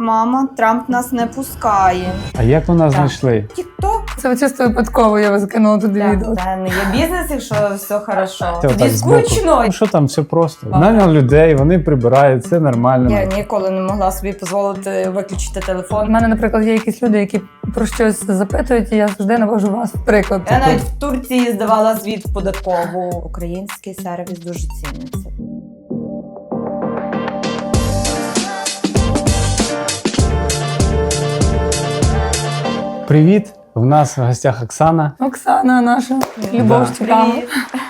Мама, Трамп нас не пускає. А як ви нас знайшли? Тік-ток. Це чисто випадково, я вас кинула туди відео. Це не є бізнес, якщо все хорошо. Це Тоді отак збоку. скучно. Ну що там, все просто. Наняв людей, вони прибирають, це нормально. Я ніколи не могла собі дозволити виключити У телефон. мене, наприклад, є якісь люди, які про щось запитують, і я завжди навожу вас в приклад. Я навіть в Турції здавала звіт в податкову. Український сервіс дуже ціниться. Привіт! В нас в гостях Оксана. Оксана наша, Любов Щепава. Привіт.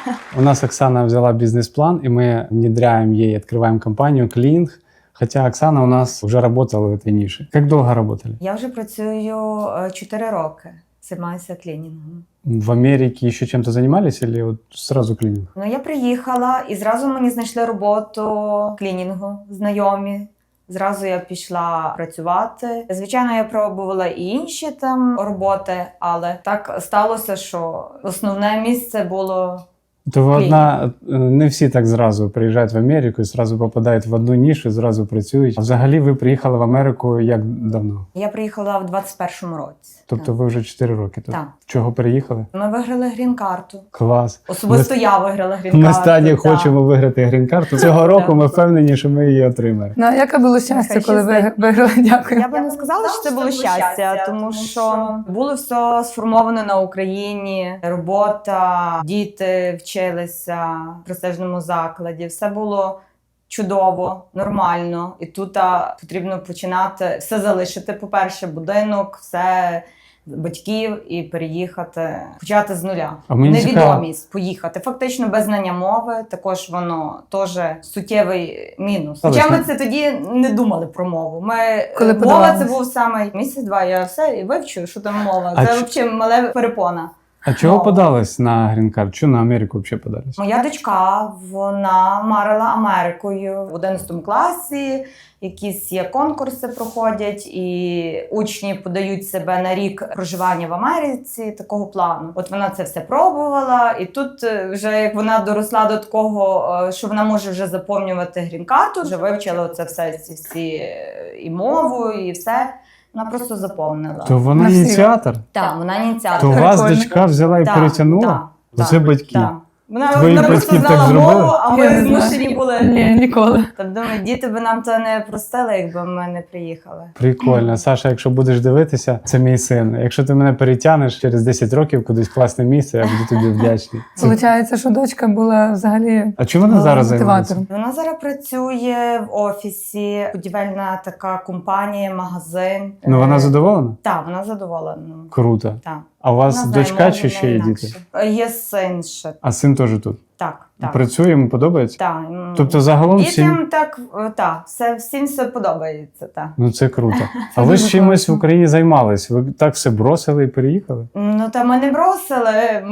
У нас Оксана взяла бизнес-план, и мы внедряем ей, открываем компанию «Клининг». Хотя Оксана у нас уже работала в этой нише. Как долго работали? Я вже працюю 4 роки. Займаюся клінінгом. В Америке еще чем-то занимались или вот сразу клининг? Ну, я приїхала і зразу мені знайшли роботу клінінгу, знайомі. Зразу я пішла працювати. Звичайно, я пробувала і інші там роботи, але так сталося, що основне місце було. То ви одна, не всі так зразу приїжджають в Америку і зразу попадають в одну нішу, і зразу працюють. А взагалі ви приїхали в Америку як давно? Я приїхала в 21-му році. Тобто ви вже 4 роки тут? Так. Чого переїхали? Ми виграли грін-карту. Клас. Особисто я виграла грін-карту. Ми стані так. хочемо виграти грін-карту. Цього року ми впевнені, що ми її отримаємо. Ну, яке було щастя, коли ви виграли? Дякую. Я би не сказала, що це було щастя, тому що було все сформовано на Україні. Робота, діти вчилися в престижному закладі. Все було чудово, нормально. І тут потрібно починати все залишити. По-перше, будинок, все батьків і переїхати, почати з нуля. А мені Невідомість, поїхати. Фактично без знання мови, також воно теж суттєвий мінус. Хоча ми це тоді не думали про мову. Коли Мова подавалися? це був саме місяць-два, я все вивчу, що там мова. А Це взагалі мале перепона. А чого Мова. подались на грін-карт? Чого на Америку взагалі подались? Моя дочка, вона марила Америкою в 11 класі. Якісь є конкурси проходять, і учні подають себе на рік проживання в Америці такого плану. От вона це все пробувала, і тут вже як вона доросла до такого, що вона може вже заповнювати грін-карту, вже вивчила це все, ці всі і мову, і все. Вона просто заповнила. То вона На всі. ініціатор? Так, вона ініціатор. То вас Прикольно. дочка взяла і Так, перетягнула? так, Це так, батьки. так. Вона Твої просто батьки так знала зробили? мову, а Я ми не знаю. змушені були. Ні, ніколи. Тобто, думаю, діти би нам то не простили, якби ми не приїхали. Прикольно. Саша, якщо будеш дивитися, це мій син. Якщо ти мене перетягнеш через 10 років кудись в класне місце, я буду тобі вдячний. Получається, що дочка була взагалі А чому вона зараз займається? мотиватором. Вона зараз працює в офісі, будівельна така компанія, магазин. Ну вона задоволена? Так, вона задоволена. Круто. Так. А у вас Вона знає дочка мову, чи ще є інакше. діти? Є син ще. А син теж тут? Так, так. Працює, йому подобається? Так. Тобто загалом всім... Дітям так, всім все подобається, так. Ну це круто. А ви дуже ж чимось в класно. Україні займались? Ви так все бросили і переїхали? Ну, та ми не бросили,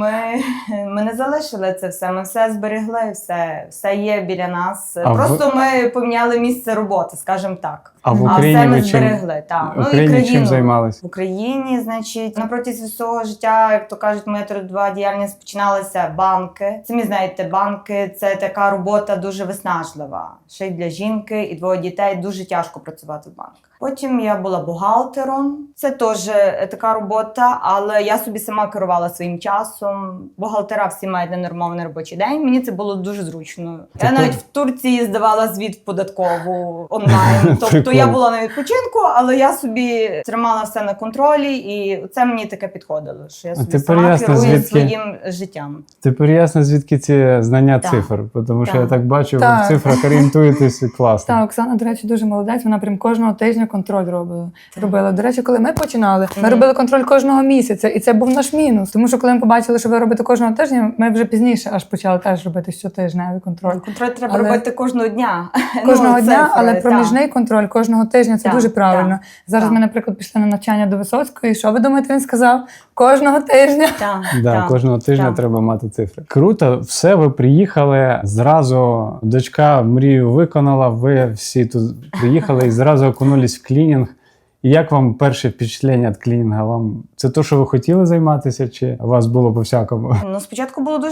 ми не залишили це все, ми все зберегли, все є біля нас. А Просто ми поміняли місце роботи, скажімо так. А в А Україні все ми ви чим? зберегли, так. В Україні чим займались? В Україні, значить, на протязі всього життя, як то кажуть, моя трудова діяльність починалася банки. Самі знаєте, банки – це така робота дуже виснажлива. Ще й для жінки і 2 дітей дуже тяжко працювати в банках. Потім я була бухгалтером. Це теж така робота, але я собі сама керувала своїм часом. Бухгалтера всі мають ненормований робочий день. Мені це було дуже зручно. Я навіть в Турції здавала звіт в податкову онлайн. Тобто я була на відпочинку, але я собі тримала все на контролі, і це мені таке підходило, що я собі тепер сама ясно, керую звідки- своїм життям. Тепер ясно, звідки ці знання Так. цифр, тому що Так. я так бачу, ви Так. в цифрах орієнтуєтесь класно. Так, Оксана, до речі, дуже молодець. Вона прям кожного тижня контроль робила. До речі, коли ми починали, ми робили контроль кожного місяця, і це був наш мінус. Тому що коли ми побачили, що ви робите кожного тижня, ми вже пізніше аж почали теж робити щотижневий контроль. Контроль треба Але- робити кожного дня. Кожного Ну, дня, цифри, але так. проміжний контроль кожного тижня це Так, дуже правильно. так, Зараз так. ми, наприклад, пішли на навчання до Висоцької. Що ви думаєте, він сказав? Кожного тижня. Так, Да, так, кожного тижня так. треба мати цифри. Круто, все, ви приїхали, зразу дочка мрію виконала, ви всі тут приїхали і зразу окунулись в клінінг. І як вам перше впечатлення від клінінга? Вам це те, що ви хотіли займатися, чи у вас було по-всякому? Ну, спочатку було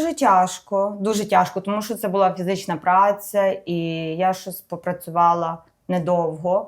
дуже тяжко, тому що це була фізична праця, і я щось попрацювала недовго.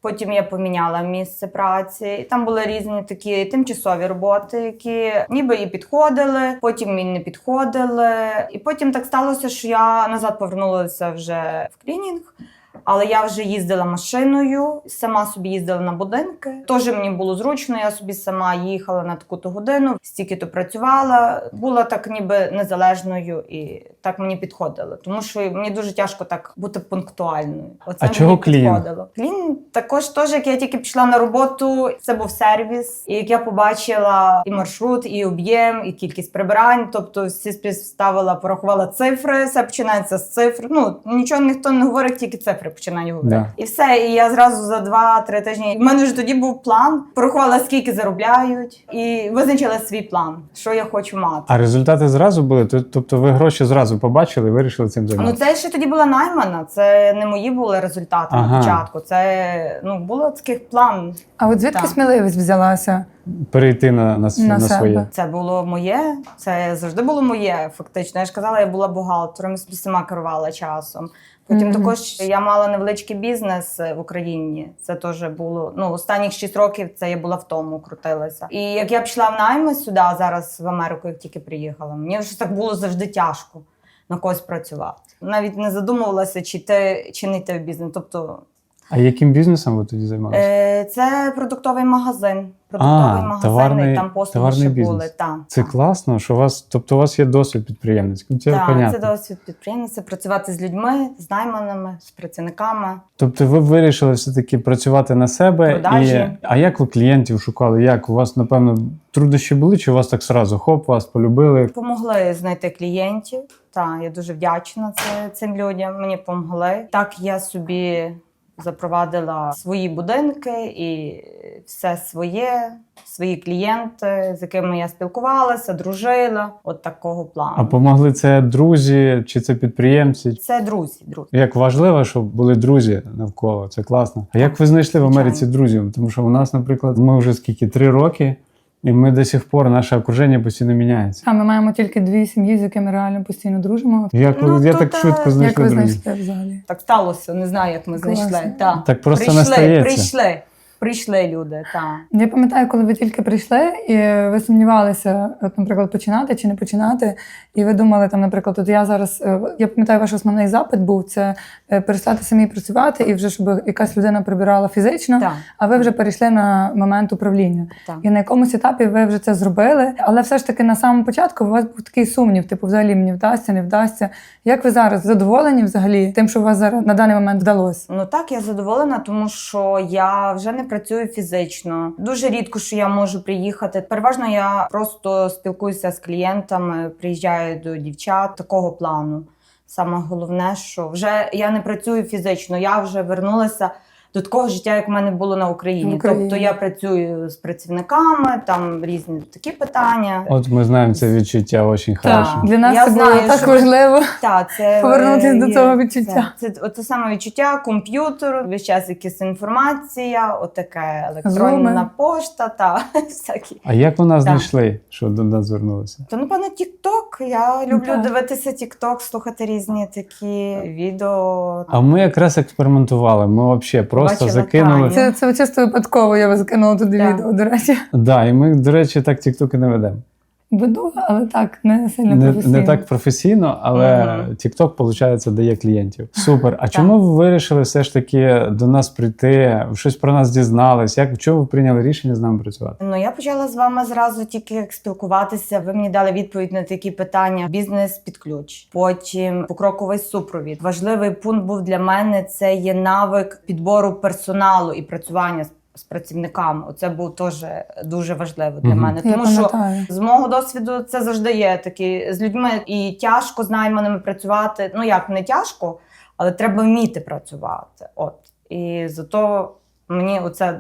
Потім я поміняла місце праці. І там були різні такі тимчасові роботи, які ніби і підходили, потім і не підходили. І потім так сталося, що я назад повернулася вже в клінінг. Але я вже їздила машиною, сама собі їздила на будинки. Теж мені було зручно, я собі сама їхала на таку-то годину, стільки-то працювала. Була так ніби незалежною і так мені підходило. Тому що мені дуже тяжко так бути пунктуальною. Оце А мені чого клін? підходило. Клін також теж, як я тільки пішла на роботу, це був сервіс. І як я побачила і маршрут, і об'єм, і кількість прибирань, тобто всі співставила, порахувала цифри, все починається з цифр. Ну, нічого ніхто не говорить, тільки цифри починаю говорити. Да. І все, і я зразу за 2-3 тижні. В мене вже тоді був план, порахувала, скільки заробляють, і визначила свій план, що я хочу мати. А результати зразу були? Тобто ви гроші зразу побачили і вирішили цим Ну, займатися? це ще тоді була наймана, це не мої були результати Ага. на початку. Це було таких план. А от звідки Так. сміливість взялася? Перейти на себе. своє. Це було моє, це завжди було моє, фактично. Я ж казала, я була бухгалтером, я собі сама керувала часом. Потім Мгм. також я мала невеличкий бізнес в Україні. Це теж було, останніх 6 років це я була в тому, крутилася. І як я пішла в найми сюди, зараз в Америку, як тільки приїхала, мені вже так було завжди тяжко на когось працювати. Навіть не задумувалася, чи йти, чи не йти в бізнес. Тобто А яким бізнесом ви тоді займалися? це продуктовий магазин. Продуктовий магазин, і там послуги ще були. Так. Це класно, що у вас є досвід підприємницький. Це Так, понятно. це досвід підприємниця, працювати з людьми, з найманими, з працівниками. Тобто ви вирішили все-таки працювати на себе. Продажі. А як ви клієнтів шукали? Як? У вас, напевно, труднощі були, чи у вас так сразу хоп, вас полюбили? Помогли знайти клієнтів. Так, я дуже вдячна цим людям. Мені помогли. Так я собі запровадила свої будинки і все своє, свої клієнти, з якими я спілкувалася, дружила. От такого плану. А помогли це друзі чи це підприємці? Це друзі. Як важливо, щоб були друзі навколо, це класно. А як ви знайшли в Америці друзів? Тому що у нас, наприклад, ми вже 3 роки, і ми до сих пор, наше окруження постійно міняється. А ми маємо тільки 2 сім'ї, з якими реально постійно дружимо. Як Ну, я то так та- швидко Як знайшли ви друзів? знайшли взагалі? Так сталося, не знаю, як ми Класно. знайшли. Так. Так просто не стається. Прийшли люди, так. Я пам'ятаю, коли ви тільки прийшли, і ви сумнівалися, от, наприклад, починати чи не починати, і ви думали, там, наприклад, от я зараз, я пам'ятаю, ваш основний запит був це перестати самі працювати, і вже щоб якась людина прибирала фізично, Так. а ви вже перейшли на момент управління. Так. І на якомусь етапі ви вже це зробили, але все ж таки на самому початку у вас був такий сумнів, типу, взагалі мені вдасться, не вдасться. Як ви зараз задоволені взагалі тим, що у вас зараз на даний момент вдалося? Ну так, я задоволена, тому що я вже не працюю фізично. Дуже рідко, що я можу приїхати. Переважно я просто спілкуюся з клієнтами, приїжджаю до дівчат такого плану. Саме головне, що вже я не працюю фізично, я вже вернулася до такого життя, як в мене було на Україні. Тобто я працюю з працівниками, там різні такі питання. От ми знаємо це відчуття дуже хорошо. Для нас Я це було знаю, так що- важливо. Так, це Повернутись до є- цього відчуття. Це саме відчуття, комп'ютер, весь час якась інформація, отаке електронна Зуми. пошта та всякі. А як ви нас Так. знайшли, що до нас звернулися? То, напевно, TikTok. Я люблю Так. дивитися TikTok, слухати різні такі відео. А ми якраз експериментували. Ми взагалі просто Бачила, закинули. Таня. Це чисто випадково, я вас закинула туди Так. відео, до речі. Да, і ми, до речі, так тіктоки не ведемо. Веду, але так, не сильно Не, професійно. не так професійно, але Мгм. TikTok, виходить, дає клієнтів. Супер. А чому ви вирішили все ж таки до нас прийти, щось про нас дізнались? Чому ви прийняли рішення з нами працювати? Ну, я почала з вами зразу тільки як спілкуватися. Ви мені дали відповідь на такі питання. Бізнес під ключ. Потім покроковий супровід. Важливий пункт був для мене – це є навик підбору персоналу і працювання з працівниками. Оце був теж дуже важливо для Мгм. мене. Я Тому що пам'ятаю. з мого досвіду це завжди є такі з людьми і тяжко з найманими працювати. Ну як не тяжко, але треба вміти працювати. От і зато мені оце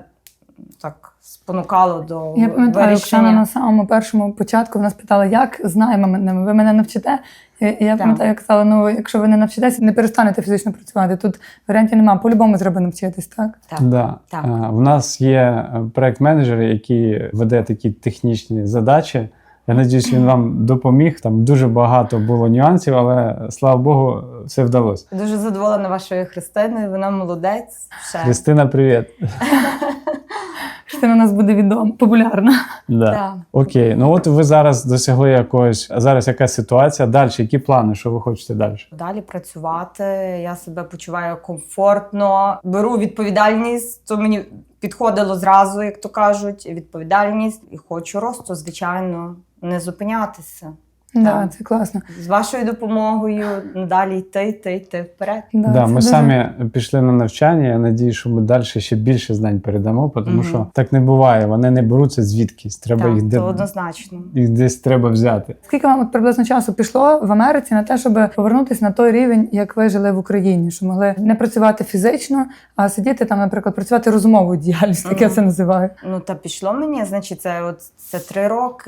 так спонукало до Я пам'ятаю, Оксана вирішення. на самому першому початку нас питала, як з найманими, ви мене навчите? І я пам'ятаю, я казала, ну якщо ви не навчитеся, не перестанете фізично працювати. Тут варіантів немає, по-любому треба навчитись, так? Так. Да. Так. В нас є проект-менеджер, який веде такі технічні задачі Я надіюсь, він вам допоміг. Там дуже багато було нюансів, але слава Богу, все вдалося. Дуже задоволена вашою Христиною, вона молодець. Ще. Христина, привіт. Христина у нас буде відома, популярна. Да. Так. Окей, ну от ви зараз досягли якогось, а зараз яка ситуація? Далі, які плани, що ви хочете далі? Далі працювати, я себе почуваю комфортно, беру відповідальність, то мені підходило зразу, як то кажуть, відповідальність. І хочу росту, звичайно, не зупинятися. Да, Так. це класно. З вашою допомогою далі йти вперед. Да, це ми дуже- самі пішли на навчання. Я надію, що ми далі ще більше знань передамо, тому Мгм. що так не буває. Вони не беруться звідкись. Треба Так, їх, це однозначно. їх десь треба взяти. Скільки вам от приблизно часу пішло в Америці на те, щоб повернутися на той рівень, як ви жили в Україні, що могли не працювати фізично, а сидіти там, наприклад, працювати розумовою діяльність, як я Мгм. це називаю. Ну та пішло мені, значить, це 3 роки,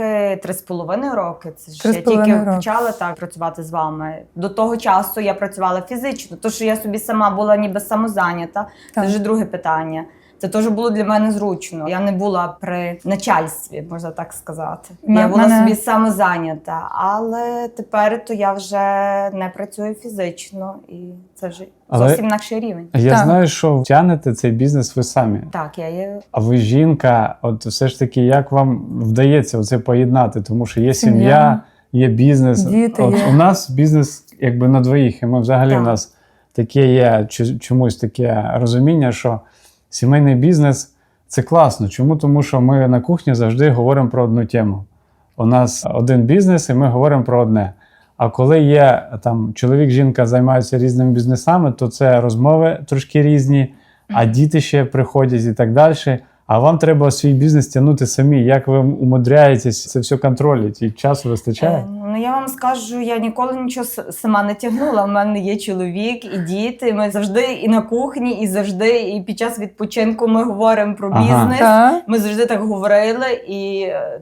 3,5 роки. Це ж я 3,5 тільки роки. почала так працювати з вами. До того часу я працювала фізично, то що я собі сама була ніби самозайнята. Це Так. вже друге питання. Це теж було для мене зручно. Я не була при начальстві, можна так сказати. Я була Мене- собі самозайнята, але тепер то я вже не працюю фізично, і це вже Але- зовсім інакший рівень. Я Так. знаю, що тягнете цей бізнес ви самі. Так, я є. А ви жінка, от все ж таки, як вам вдається це поєднати? Тому що є Сім'я, сім'я, є бізнес. діти От є. у нас бізнес якби на двоїх, і ми взагалі Так. у нас таке є чомусь таке розуміння, що сімейний бізнес це класно. Чому? Тому що ми на кухні завжди говоримо про одну тему. У нас один бізнес, і ми говоримо про одне. А коли є там чоловік, жінка займаються різними бізнесами, то це розмови трошки різні, а діти ще приходять і так далі. А вам треба свій бізнес тягнути самі. Як ви умудряєтесь це все контролювати? І часу вистачає? Ну я вам скажу, я ніколи нічого сама не тягнула. У мене є чоловік і діти. Ми завжди і на кухні, і завжди, і під час відпочинку ми говоримо про Ага. бізнес. Так. Ми завжди так говорили, і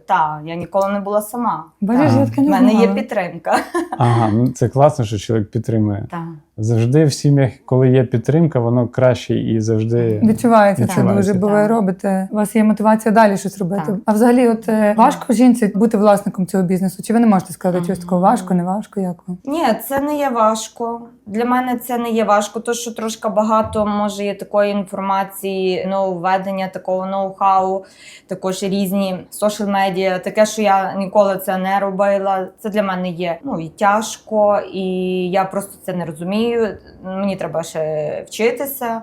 я ніколи не була сама. Бачиш, Та. я таке У не мене є знала. підтримка. Ага, ну це класно, що чоловік підтримує. Так. Завжди в сім'ях, коли є підтримка, воно краще і завжди Відчувається це Відчувається. дуже, бо ви Так. робите. У вас є мотивація далі щось робити. Так. А взагалі, от важко жінці бути власником цього бізнесу? Чи ви не можете сказати, щось такого важко, не важко? Як вам? Ні, це не є важко. Для мене це не є важко, то що трошки багато може є такої інформації, нововведення, такого ноу-хау, також різні соціал медіа, таке, що я ніколи це не робила. Це для мене є і тяжко, і я просто це не розумію. Мені треба ще вчитися.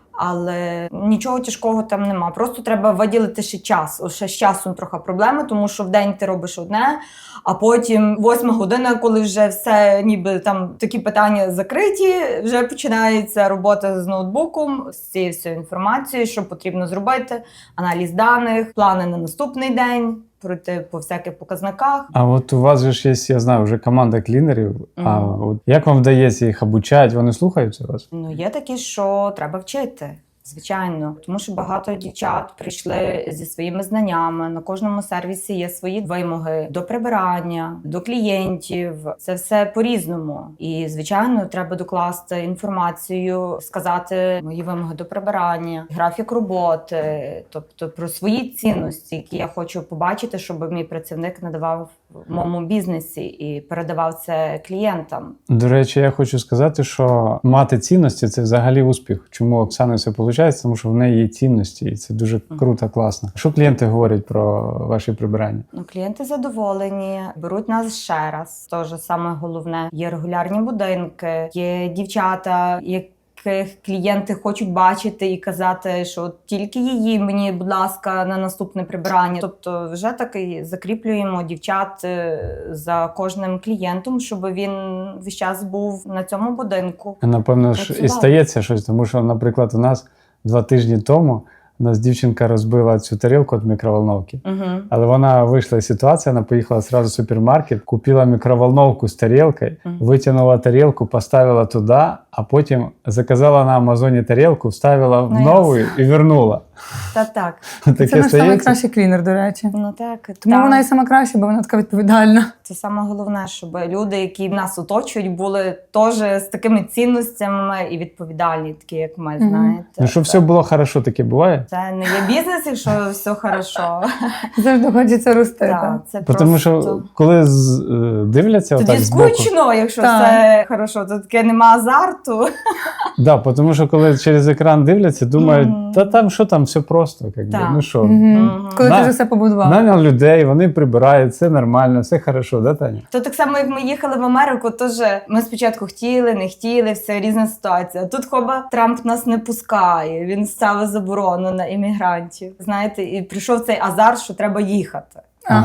Але нічого тяжкого там нема. Просто треба виділити ще час. Ще з часом трохи проблеми, тому що вдень ти робиш одне, а потім 8 година, коли вже все ніби там такі питання закриті, вже починається робота з ноутбуком, з цією всією інформацією, що потрібно зробити, аналіз даних, плани на наступний день, пройти по всяких показниках. А от у вас же ж є, я знаю, вже команда клінерів. А от як вам вдається їх обучати? Вони слухаються вас? Ну, є такі, що треба вчити. Звичайно, тому що багато дівчат прийшли зі своїми знаннями. На кожному сервісі є свої вимоги до прибирання, до клієнтів. Це все по-різному. І, звичайно, треба докласти інформацію, сказати мої вимоги до прибирання, графік роботи, тобто про свої цінності, які я хочу побачити, щоб мій працівник надавав в моєму бізнесі і передавав це клієнтам. До речі, я хочу сказати, що мати цінності – це взагалі успіх. Чому Оксана все виходить? Тому що в неї є цінності, і це дуже круто, класно. Що клієнти говорять про ваші прибирання? Ну, клієнти задоволені, беруть нас ще раз. Тож саме головне, є регулярні будинки, є дівчата, яких клієнти хочуть бачити і казати, що от тільки її мені, будь ласка, на наступне прибирання. Тобто вже так і закріплюємо дівчат за кожним клієнтом, щоб він весь час був на цьому будинку. Напевно ж і Працював. стається щось, тому що, наприклад, у нас 2 тижні тому у нас дівчинка розбила цю тарілку від мікроволновки. Угу. Але вона вийшла із ситуації, вона поїхала одразу в супермаркет, купила мікроволновку з тарілкою, витягнула тарілку, поставила туди, а потім заказала на Амазоні тарілку, вставила в Ну, нову і вернула. Та так. Таке Це наш стається? найкращий клінер, до речі. Ну так. Тому так. вона і сама краща, бо вона така відповідальна. Це саме головне, щоб люди, які нас оточують, були теж з такими цінностями і відповідальні, такі як ми, Мгм. знаєте. Ну, щоб все було хорошо, таке буває? Це не є бізнес, якщо все хорошо. Завжди хочеться рости. Так, так. це Тому просто... що коли дивляться Тоді отак збоку. скучно, якщо Так. все хорошо, то таке нема азарту. Да, тому що коли через екран дивляться, думають, Мгм. та там що там, все просто. Якби. Так. Ну що, Мгм. Мгм. Коли На- ти вже все побудував. наняв людей, вони прибирають, все нормально, все хорошо, да, Таня? То так само, як ми їхали в Америку, теж ми спочатку хотіли, не хотіли, все різна ситуація. Тут хоба Трамп нас не пускає, він ставить заборону на іммігрантів. Знаєте, і прийшов цей азарт, що треба їхати.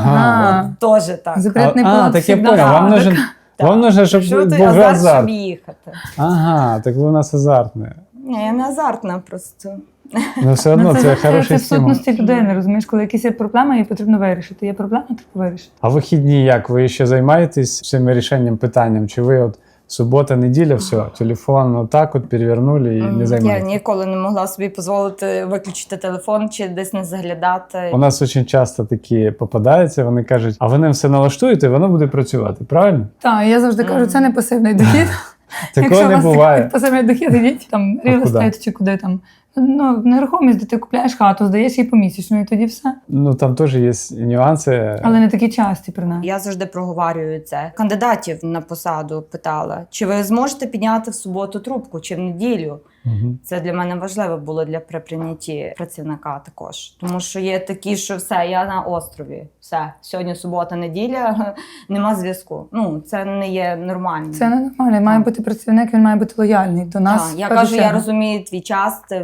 Ага. Теж так. Запретний Так я всегда. понял, вам нужен, Так. вам нужно, щоб Прийшов той був азарт, азарт. щоб їхати. Ага, так ви у нас азартне. Ні, я не азартна просто. Ну все одно це хороший в стимул. сутності людини, розумієш, коли якісь є проблеми, її потрібно вирішити. Є проблема, треба вирішити. А вихідні як? Ви ще займаєтесь цим рішенням питанням? Чи ви от субота, неділя, все, телефон отак от перевернули і не Я займаєтесь? ніколи не могла собі дозволити виключити телефон чи десь не заглядати. У нас дуже часто такі попадаються, вони кажуть, а ви ним все налаштуєте, воно буде працювати, правильно? Так, я завжди кажу, це не пасивний дохід. Такого Якщо у не вас буває. пасивний дохід, ідіть там А real куди? estate чи куди там. Ну, нерухомість, де ти купляєш хату, здаєш її помісячно, і тоді все. Ну там теж є нюанси. Але не такі часті, принаймні. Я завжди проговорюю це. Кандидатів на посаду питала, чи ви зможете підняти в суботу трубку, чи в неділю. Мгм. Це для мене важливо було при прийнятті працівника також. Тому що є такі, що все, я на острові. Все, сьогодні субота, неділя, нема зв'язку. Ну, це не є нормально. Це не нормально. Має бути працівник, він має бути лояльний до нас. Так, я в першу кажу, я чергу. розумію твій час, це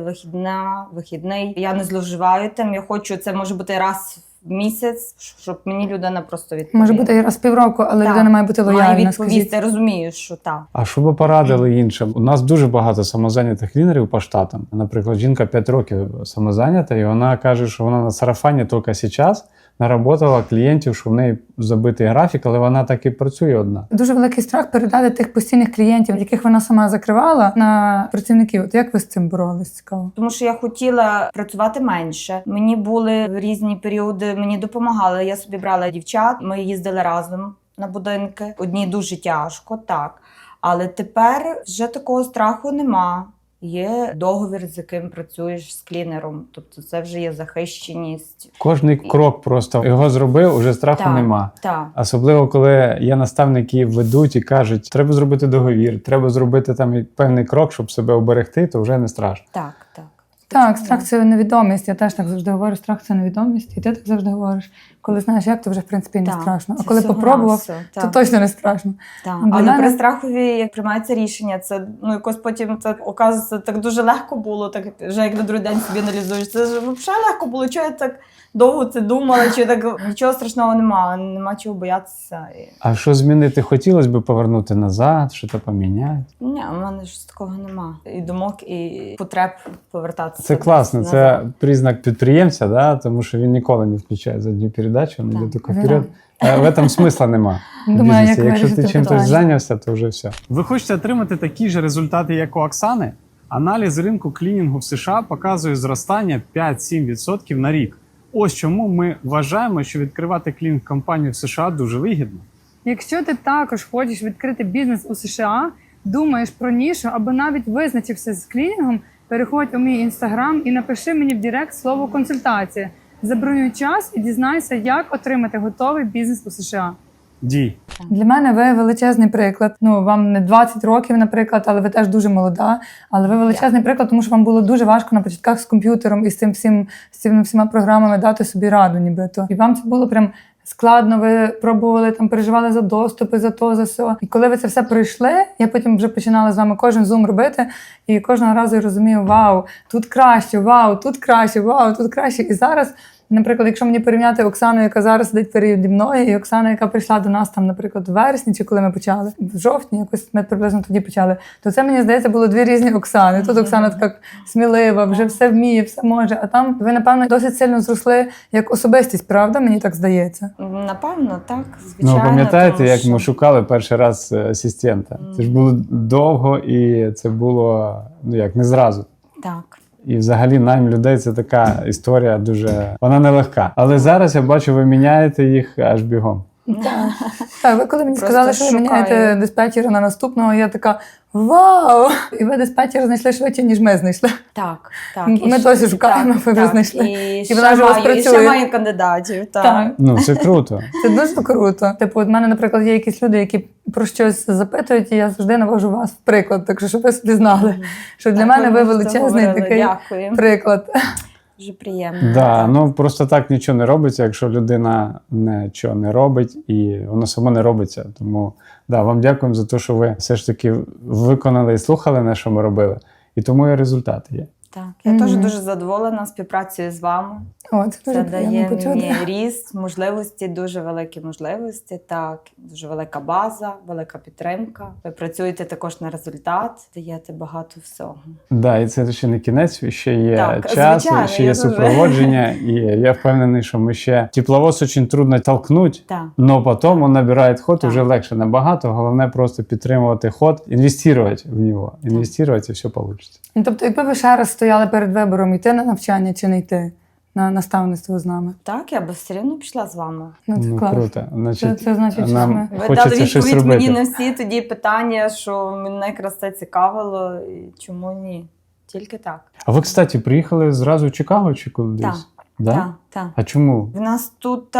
вихідний. Я не зловживаю тим. Я хочу, це може бути раз в місяць, щоб мені людина просто відповіла. Може бути і раз в півроку, але Так. людина має бути лояльна. Має відповісти, скажіть. розумію, що так. А що ви порадили іншим? У нас дуже багато самозайнятих клінерів по штатам. Наприклад, жінка 5 років самозайнята, і вона каже, що вона на сарафані тільки зараз наработала клієнтів, що в неї забитий графік, але вона так і працює одна. Дуже великий страх передати тих постійних клієнтів, яких вона сама закривала, на працівників. От як ви з цим боролись? Цікаво. Тому що я хотіла працювати менше. Мені були в різні періоди, мені допомагали. Я собі брала дівчат, ми їздили разом на будинки. Одній дуже тяжко, так. Але тепер вже такого страху нема. Є договір, з яким працюєш з клінером. Тобто це вже є захищеність. Кожний крок просто його зробив, уже страху Так. нема. Так. Особливо, коли є наставники, ведуть і кажуть, треба зробити договір, треба зробити там певний крок, щоб себе оберегти, то вже не страшно. Так, так. Так, страх це невідомість. Я теж так завжди говорю, страх це невідомість. І ти так завжди говориш. Коли знаєш, як, то вже в принципі не Так, страшно. А це коли всього попробував, навсього, то так. точно не страшно. Так. Для Але мене- при страхові, як приймається рішення, це якось потім так оказується, так дуже легко було, так вже як на другий день собі аналізуєш. Це ж взагалі легко було, чого я так довго це думала, чи так нічого страшного немає, нема чого боятися. А що змінити? Хотілося б повернути назад, щось поміняти? Ні, у мене ж такого нема. І думок, і потреб повертатися. Це класно, назад. це признак підприємця, да? Тому що він ніколи не включає задню передачу, він Так. йде тільки вперед. В этом смисла нема. в Думаю, бізнесі. як Якщо ти вирішити чимось питання. зайнявся, то вже все. Ви хочете отримати такі ж результати, як у Оксани? Аналіз ринку клінінгу в США показує зростання 5-7% на рік. Ось чому ми вважаємо, що відкривати клінінг-компанію в США дуже вигідно. Якщо ти також хочеш відкрити бізнес у США, думаєш про нішу або навіть визначився з клінінгом, переходь у мій інстаграм і напиши мені в директ слово консультація. Забронюй час і дізнайся, як отримати готовий бізнес у США. Дій. Для мене ви величезний приклад. Ну, вам не 20 років, наприклад, але ви теж дуже молода. Але ви величезний приклад, тому що вам було дуже важко на початках з комп'ютером і з цими всіма програмами дати собі раду, нібито. І вам це було прям складно. Ви пробували там, переживали за доступи, за то, за все. І коли ви це все пройшли, я потім вже починала з вами кожен зум робити, і кожного разу я розумію, вау, тут краще, вау, тут краще, вау, тут краще. І зараз Наприклад, якщо мені порівняти Оксану, яка зараз сидить переді мною, і Оксана, яка прийшла до нас там, наприклад, в вересні, чи коли ми почали, в жовтні, якось ми приблизно тоді почали, то це, мені здається, було дві різні Оксани. Тут Оксана така смілива, вже все вміє, все може. А там ви, напевно, досить сильно зросли як особистість, правда? Мені так здається. Напевно, так, звичайно. Ну, пам'ятаєте, тому як що- ми шукали перший раз асистента? Це ж було довго, і це було, ну як, не зразу. Так. І взагалі найм людей це така історія дуже, вона нелегка. Але зараз я бачу, ви міняєте їх аж бігом. Так, ви коли мені Просто сказали, що ви шукаю. міняєте диспетчера на наступного, я така вау! І ви диспетчера знайшли швидше, ніж ми знайшли. Так, так. Ми І досі ще- шукаємо, ви вже так, знайшли. І вона ще вже у вас маю, і ще працює. маю кандидатів. Так. Так. Ну, це круто. Це дуже круто. Типу, от мене, наприклад, є якісь люди, які про щось запитують, і я завжди навожу вас в приклад. Так що, щоб ви собі знали, що для Так, мене ви ми вже величезний говорили. такий Дякую. приклад. Дуже приємно. Да, так. ну просто так нічого не робиться, якщо людина нічого не робить, і воно само не робиться. Тому да, вам дякуємо за те, що ви все ж таки виконали і слухали на що ми робили. І тому і результати є. Так. Я теж дуже задоволена співпрацею з вами. О, це дуже Це приємно дає почути. мені ріст, можливості, дуже великі можливості. Так, дуже велика база, велика підтримка. Ви працюєте також на результат, даєте багато всього. Да, і це ще не кінець, ще є Так, час, звичайно, ще я є дуже- супроводження, і я впевнений, що ми ще тепловоз дуже трудно толкнуть, Так. но потім він набирає ход, Так. вже легше набагато. Головне просто підтримувати ход, інвестувати в нього, інвестувати, і все вийде. Ну, тобто, якби ви ще раз стояли перед вибором, йти на навчання чи не йти на наставництво з нами. Так, я би все одно пішла з вами. Ну, це Ну, клас. круто. Значить, Це значить, що нам ми- Ви дали хочеться щось відповідь робити. мені на всі тоді питання, що мене якраз це цікавило, і чому ні. Тільки так. А ви, кстати, приїхали зразу в Чикаго чи кудись? Так. Да? Так, так. А чому? В нас тут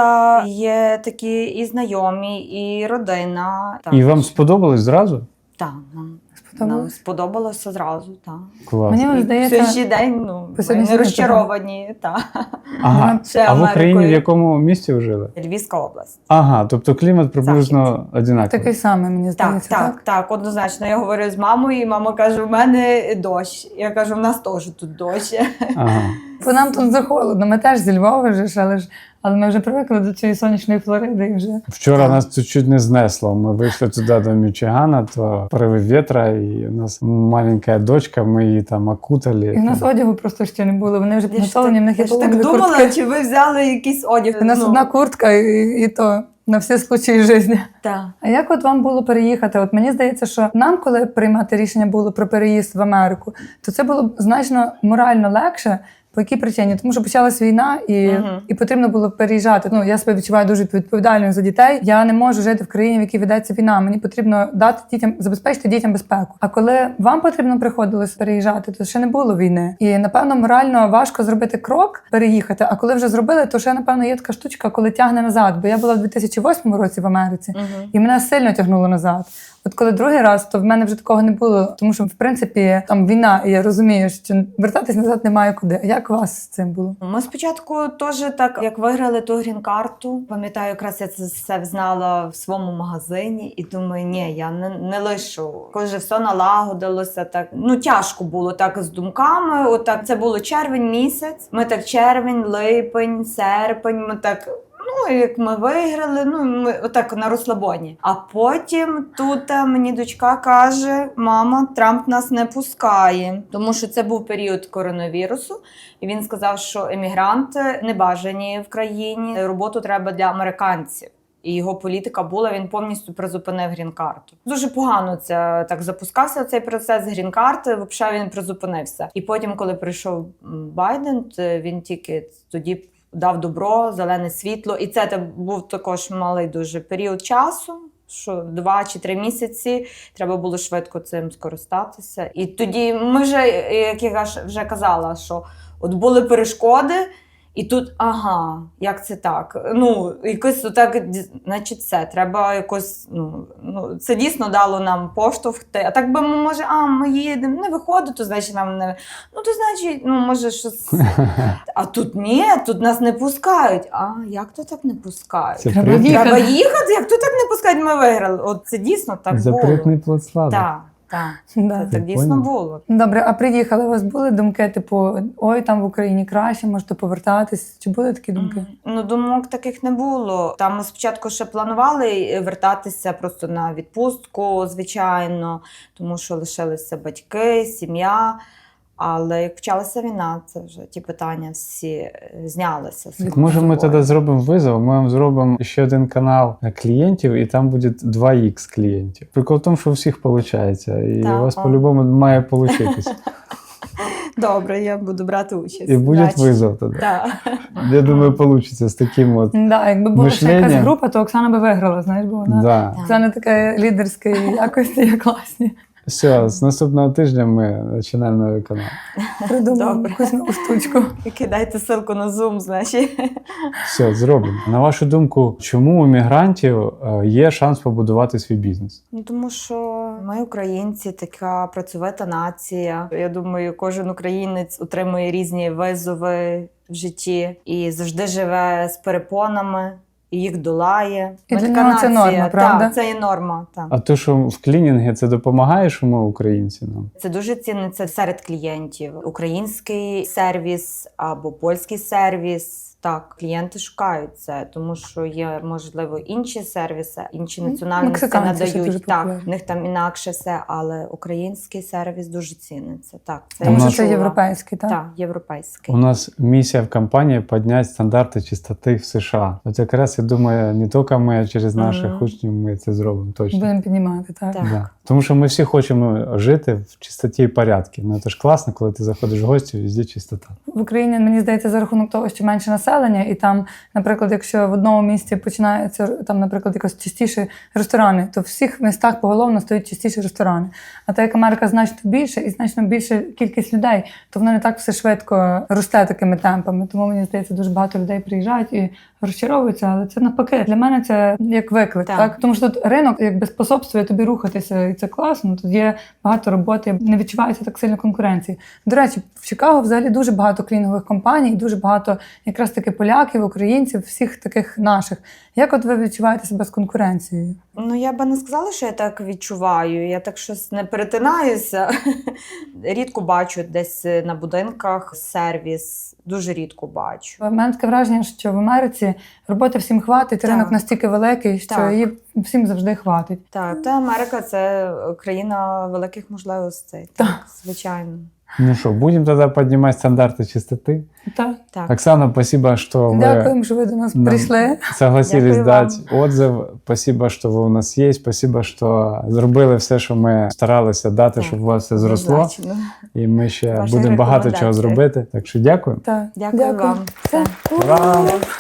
є такі і знайомі, і родина. Так. І вам сподобалось зразу? Так, нам Сподобалось? сподобалося зразу, так. Мені Клас. от І по здається, сьогоднішній день по ми сьогоднішній не день розчаровані. Так. Ага. Ще А в Україні в Америкою. якому місті ви жили? Львівська область. Ага, тобто клімат приблизно одинаковий. такий самий, мені Так, здається. так, однозначно. Я говорю з мамою, і мама каже: у мене дощ. Я кажу, в нас теж тут дощ. Ага. Бо нам тут захолодно. Ми теж зі Львова вже ж, але ми вже привикли до цієї сонячної Флориди і вже. Вчора Так. нас тут чуть не знесло. Ми вийшли туди до Мічигана, то пориви вітра, і у нас маленька дочка, ми її там окутали. І в нас одягу просто ще не було. Вони вже підготовлені, в них є Я ж так половинки думала, куртки. чи ви взяли якийсь одяг. У нас одна куртка і то на всі случаї життя. Так. А як от вам було переїхати? От мені здається, що нам, коли приймати рішення було про переїзд в Америку, то це було б значно морально легше. По якій причині? Тому що почалась війна і потрібно було переїжджати. Ну, я себе відчуваю дуже відповідальною за дітей. Я не можу жити в країні, в якій ведеться війна. Мені потрібно дати дітям, забезпечити дітям безпеку. А коли вам потрібно приходилось переїжджати, то ще не було війни. І напевно морально важко зробити крок, переїхати. А коли вже зробили, то ще напевно є така штучка, коли тягне назад. Бо я була в 2008 році в Америці, і мене сильно тягнуло назад. От коли другий раз, то в мене вже такого не було, тому що в принципі там війна, і я розумію, що вертатись назад немає куди. Як у вас з цим було? Ми спочатку теж так, як виграли ту грін-карту, пам'ятаю, якраз я це все знала в своєму магазині і думаю, ні, я не лишу. Коли вже все налагодилося, так, ну тяжко було так з думками, отак, це було червень місяць, ми так червень, липень, серпень, ми так... Ну, як ми виграли, ну ми отак на розслабоні. А потім тут мені дочка каже: мама, Трамп нас не пускає, тому що це був період коронавірусу. І він сказав, що емігранти не бажані в країні. Роботу треба для американців. І його політика була, він повністю призупинив грін-карту. Дуже погано це так запускався цей процес грін-карти, взагалі він призупинився. І потім, коли прийшов Байден, то він тільки тоді дав добро, зелене світло. І це був також малий дуже період часу, що 2 чи 3 місяці треба було швидко цим скористатися. І тоді ми вже, як я вже казала, що от були перешкоди, і тут, ага, як це так? Ну, якось так, значить, все, треба якось, ну, це дійсно дало нам поштовх. А так би ми, може, ми їдемо, не виходить, то значить нам не, ну, то значить, ну, може, щось, а тут ні, тут нас не пускають. А, як то так не пускають? Це Треба при- їхати. Треба їхати, як то так не пускають, ми виграли. От це дійсно так було. запретний плод сладок. Так. Так. Да. Це так дійсно Поняв. було. Добре, а приїхали, у вас були думки, типу, ой, там в Україні краще, можете повертатись? Чи були такі думки? Ну, думок таких не було. Там ми спочатку ще планували вертатися просто на відпустку, звичайно, тому що лишилися батьки, сім'я. Але як почалася війна, це вже ті питання всі знялися. Так, може, ми тоді зробимо визов, ми вам зробимо ще один канал клієнтів, і там буде 2х клієнтів. Прикол в тому, що у всіх виходить, і Так, у вас о. по-любому має получитись. Добре, я буду брати участь. І буде Удачі. визов тоді. Так. Я думаю, вийде з таким от. Да, якби була ще якась Мишлення. група, то Оксана би виграла, знаєш, бо вона Да. Оксана така лідерська якості, є класні. Все, з наступного тижня ми починаємо новий канал. Придумала Добре. якусь нову штучку. Кидайте ссылку на Zoom, значить. Все, зробимо. На вашу думку, чому у мігрантів є шанс побудувати свій бізнес? Ну, тому що ми, українці, така працьовита нація. Я думаю, кожен українець отримує різні визови в житті і завжди живе з перепонами, і їх долає. І Ми для така нього це нація. норма, правда? Так, це є норма. Так. А то, що в клінінгі, це допомагає, що ми українці нам? Це дуже ціниться серед клієнтів. Український сервіс або польський сервіс. Так, клієнти шукають це, тому що є, можливо, інші сервіси, інші національності Мексиканці ще надають. дуже Так, популярні. в них там інакше все, але український сервіс дуже ціниться. Так, це Тому я Тому нас- що це чула. європейський, так? Так, європейський. У нас місія в компанії підняти стандарти чистоти в США. От якраз я думаю, не тільки ми, а через наших Мгм. учнів ми це зробимо точно. Будемо піднімати, так. Так. Да. Тому що ми всі хочемо жити в чистоті і порядку. Ну це ж класно, коли ти заходиш в гості, везде чистота. В Україні, мені здається, за рахунок того, що менше населення, і там, наприклад, якщо в одному місті починаються там, наприклад, якось частіші ресторани, то в всіх містах поголовно стають частіші ресторани. А так як Америка значно більше і значно більша кількість людей, то воно не так все швидко росте такими темпами. Тому мені здається, дуже багато людей приїжджають і розчаровуються, але це навпаки. Для мене це як виклик, Так. так? Тому що тут ринок якби способствує тобі рухатися, і це класно. Тут є багато роботи, не відчувається так сильно конкуренції. До речі, в Чикаго взагалі дуже багато клінінгових компаній, дуже багато якраз таки поляків, українців, всіх таких наших. Як от ви відчуваєте себе з конкуренцією? Ну, я би не сказала, що я так відчуваю. Я так щось не перетинаюся. Рідко бачу десь на будинках сервіс. Дуже рідко бачу. У мене таке враження, що в Америці роботи всім хватить, Так. ринок настільки великий, що Так. її всім завжди хватить. Так, та Америка це країна великих можливостей. Так, звичайно. Ну що, будемо тоді піднімати стандарти чистоти. Так. Так. Оксана, спасибо, що ви Дякуємо, що ви до нас Да. прийшли. согласились Дякую дати отзыв. Спасибо, що ви у нас є. Спасибо, що зробили все, що ми старалися дати, Так, щоб у вас все зросло. однозначно. І ми ще Ваші будемо багато чого рекомендації. зробити. Так що дякую. Так. Дякую вам. Все. Ура!